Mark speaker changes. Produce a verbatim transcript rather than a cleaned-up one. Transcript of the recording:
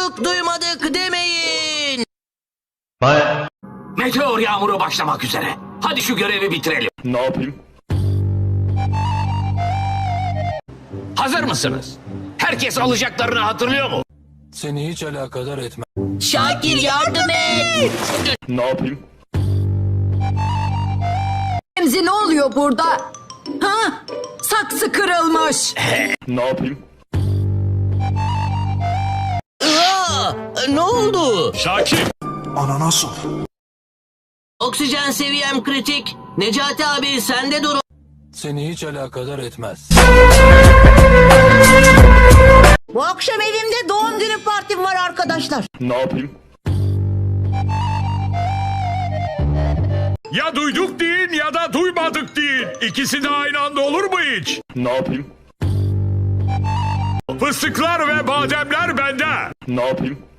Speaker 1: Duyduk duymadık demeyin.
Speaker 2: Meteor yağmuru başlamak üzere. Hadi şu görevi bitirelim.
Speaker 3: Ne yapayım?
Speaker 2: Hazır mısınız? Herkes alacaklarını hatırlıyor mu?
Speaker 4: Seni hiç alakadar etmez.
Speaker 1: Şakir yardım et.
Speaker 3: Ne yapayım?
Speaker 5: Remzi ne oluyor burada? Ha? Saksı kırılmış.
Speaker 3: Ne yapayım?
Speaker 1: Aa, ne oldu?
Speaker 3: Şakir!
Speaker 4: Ananas ol.
Speaker 1: Oksijen seviyem kritik. Necati abi sende dur.
Speaker 4: Seni hiç alakadar etmez.
Speaker 6: Bu akşam evimde doğum günü partim var arkadaşlar.
Speaker 3: Ne yapayım?
Speaker 7: Ya duyduk deyin ya da duymadık deyin. İkisi de aynı anda olur mu hiç?
Speaker 3: Ne yapayım?
Speaker 7: Fıstıklar ve bademler bende.
Speaker 3: Ne yapayım?